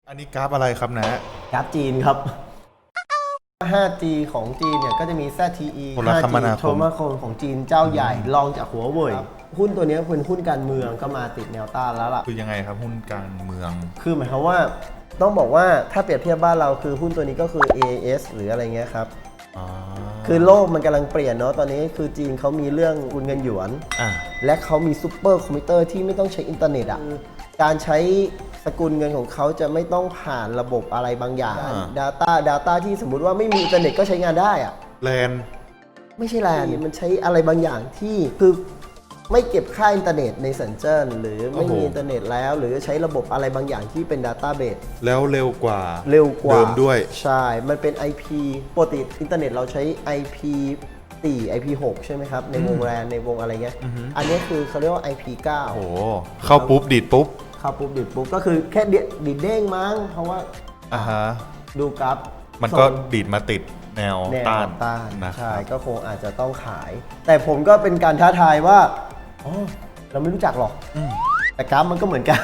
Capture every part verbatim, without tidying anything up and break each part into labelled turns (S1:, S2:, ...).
S1: อันนี้กราฟอะไรครับนะ
S2: กราฟจีนครับ ห้าจี ของจีนเนี่ยก็จะมี แซด ที อี
S1: โทรคมนาคม
S2: โทรคมนาคมของจีนเจ้าใหญ่รองจากหัวเว่ยหุ้นตัวนี้เป็นหุ้นการเมืองก็มาติดแนวต้านแล้วล่ะ
S1: คือยังไงครับหุ้นการเมือง
S2: คือหมายความว่าต้องบอกว่าถ้าเปรียบเทียบบ้านเราคือหุ้นตัวนี้ก็คือ เอ เอส หรืออะไรเงี้ยครับคือโลกมันกำลังเปลี่ยนเนาะตอนนี้คือจีนเขามีเรื่องคุณเงินหยวนและเขามีซูเปอร์คอมพิวเตอร์ที่ไม่ต้องใช้อินเทอร์เน็ตอ่ะการใช้สกุลเงินของเขาจะไม่ต้องผ่านระบบอะไรบางอย่าง Data Data ที่สมมุติว่าไม่มีอินเทอร์เน็ตก็ใช้งานได้อะ
S1: แลน
S2: ไม่ใช่แลนมันใช้อะไรบางอย่างที่คือไม่เก็บค่าอินเทอร์เน็ตในสัญจรหรือไม่มีอินเทอร์เน็ตแล้วหรือใช้ระบบอะไรบางอย่างที่เป็น Database
S1: แล้วเร็วกว่า
S2: เร็วกว่า
S1: เดิมด้วย
S2: ใช่มันเป็น ไอ พี ปกติอินเทอร์เน็ตเราใช้ ไอ พี สี่ ไอ พี หก ใช่ไหมครับในวงแรนในวงอะไรเงี้ยอันนี้คือเขาเรียกว่า ไอ พี เก้า
S1: โอ้เข้าปุ๊บดีดปุ๊บ
S2: เข้าปุ๊บดีดปุ๊บก็คือแค่ดีดเด้งมั้งเพราะว่า
S1: อ่าฮะ
S2: ดูกราฟ
S1: มันก็ดีดมาติดแนวต้าน
S2: ต้านนะใช่ก็คงอาจจะต้องขาย แต่ผมก็เป็นการท้าทายว่าอ๋อเราไม่รู้จักหรอกแต่กราฟมันก็เหมือนกัน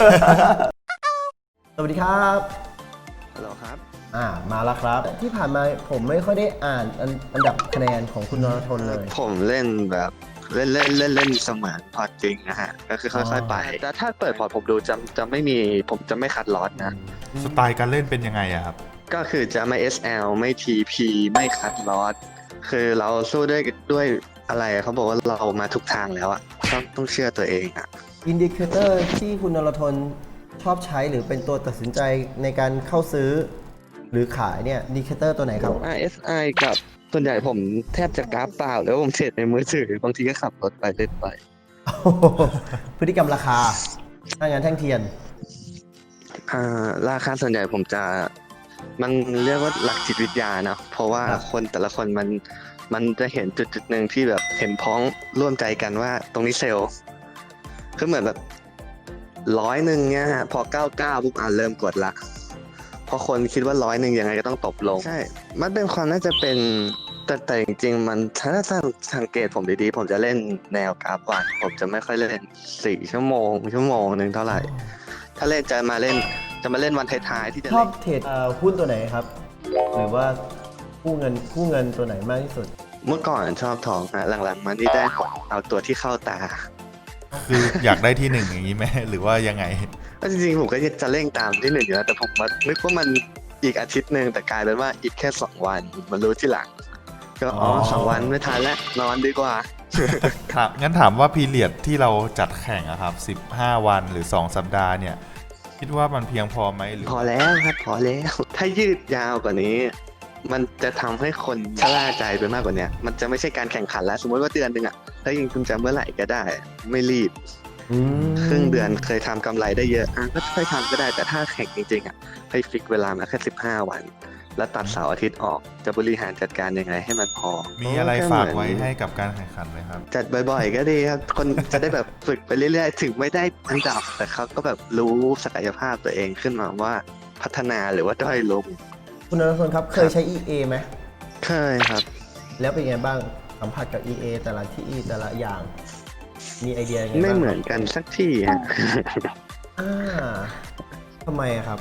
S2: สวัสดีครับ
S3: ฮัลโหลครับ
S2: อ่ามาแล้วครับที่ผ่านมาผมไม่ค่อยได้อ่านอันดับคะแนนของคุณนรทนเลย
S3: ผมเล่นแบบเล่นเล่นเล่นเล่นเสมือนพอร์ตจริงนะฮะก็คือค่อยๆไปแต่ถ้าเปิดพอร์ตผมดูจะจะไม่มีผมจะไม่คัดลอสนะ
S1: สไตล์การเล่นเป็นยังไงอะครับ
S3: ก็คือจะไม่ เอส แอล ไม่ ที พี ไม่คัดลอสคือเราสู้ด้วยด้วยอะไรเขาบอกว่าเรามาทุกทางแล้วอะต้องต้องเชื่อตัวเองอะ
S2: อินดิเคเตอร์ที่คุณนรทนชอบใช้หรือเป็นตัวตัดสินใจในการเข้าซื้อหรือขายเนี่ยอินดิเคเตอร์ตัวไหนครับ
S3: อาร์ เอส ไอ กับส่วนใหญ่ผมแทบจะกราฟเปล่าแล้วผมเทรดในมือถือบางทีก็ขับรถไปเล่นไป
S2: พฤติกรรมราคาถ้างั้นแท่งเทียน
S3: อ่าราคาส่วนใหญ่ผมจะมันเรียกว่าหลักจิตวิทยานะเพราะว่าคนแต่ละคนมันมันจะเห็นจุดจุดหนึ่งที่แบบเห็นพ้องร่วมใจกันว่าตรงนี้เซลล์คือเหมือนแบบร้อยหนึ่งเนี่ยฮะพอเก้าเก้าปุ๊บอ่านเริ่มกดละเพราะคนคิดว่าร้อยหนึ่งยังไงก็ต้องตบลงใช่มันเป็นความน่าจะเป็นแต่แต่จริงๆมันถ้าสังเกตผมดีๆผมจะเล่นแนวกราฟวันผมจะไม่ค่อยเล่นสี่ชั่วโมงชั่วโมงหนึ่งเท่าไหร่ถ้าเล่นจะมาเล่นจะมาเล่นวันท้ายๆที่จะ
S2: ชอบเทรดหุ้นตัวไหนครับหรือว่ากู้เงินกู้เงินตัวไหนมากที่สุด
S3: เมื่อก่อนชอบทองฮะหลังๆมานี่ได้เอาตัวที่เข้าตา
S1: คืออยากได้ที่หนึ่งอย่างนี้ไหมหรือว่ายังไง
S3: ก็จริงๆผมก็จะเร่งตามที่หนึ่งอยู่แล้วแต่ผมมานึกว่ามันอีกอาทิตย์หนึ่งแต่กลายเป็นว่าอีกแค่สองวันมันรู้ที่หลังก็อ๋อสองวันไม่ทันแล้วนอนดีกว่า
S1: ครับงั้นถามว่าพีเรียดที่เราจัดแข่งอะครับสิบห้าวันหรือสองสัปดาห์เนี่ยคิดว่ามันเพียงพอไหมหรือ
S3: พอแล้วครับพอแล้วถ้ายืดยาวกว่านี้มันจะทำให้คนชะล่าใจไปมากกว่านี้มันจะไม่ใช่การแข่งขันแล้วสมมติว่าเดือนหนึ่งอะถ้ายิงคุณจะเมื่อไหร่ก็ได้ไม่รีบครึ่งเดือนเคยทำกำไรได้เยอะอ่ะก็ค่อยทำก็ได้แต่ถ้าแข่งจริงๆอ่ะให้ฟิกเวลามาแค่สิบห้าวันแล้วตัดเสาร์อาทิตย์ออกจะบริหารจัดการยังไงให้มันพอ
S1: มีอะไรฝากไว้ให้กับการแข่งขันไหมครับ
S3: จัดบ่อยๆก็ดีครับคนจะได้แบบฝึกไปเรื่อยๆถึงไม่ได้อันดับแต่เขาก็แบบรู้ศักยภาพตัวเองขึ้นมาว่าพัฒนาหรือว่าด้อยลง
S2: คุณนรพลครับเคยใช้ อี เอ ไหม
S3: เคยครับ
S2: แล้วเป็นไงบ้างสัมผัสกับ อี เอ แต่ละที่แต่ละอย่างมีไอเดียยังไงบ้าง
S3: ไม่เหมือนกันสักที่ฮะ
S2: อ่าทำไมครับ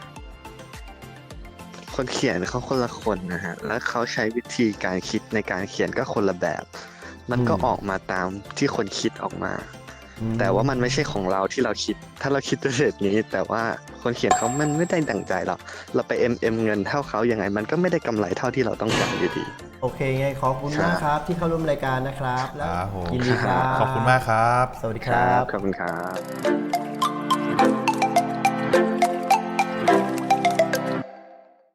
S3: คนเขียนเขาคนละคนนะฮะแล้วเขาใช้วิธีการคิดในการเขียนก็คนละแบบมันก็ออกมาตามที่คนคิดออกมาแต่ว่ามันไม่ใช่ของเราที่เราคิดถ้าเราคิดด้วยเหตุนี้แต่ว่าคนเขียนเขามันไม่ได้ดั่งใจหรอกเราไปเอ็มเอ็มเงินเท่าเขายังไงมันก็ไม่ได้กำไรเท่าที่เราต้องการอยู่ดี
S2: โอเคไงขอบคุณมากครับที่เข้าร่วมรายการนะครับแล้วยินดีครับ
S1: ขอบคุณมากครับ
S2: สวัสดีครับ
S3: ขอบคุณครับ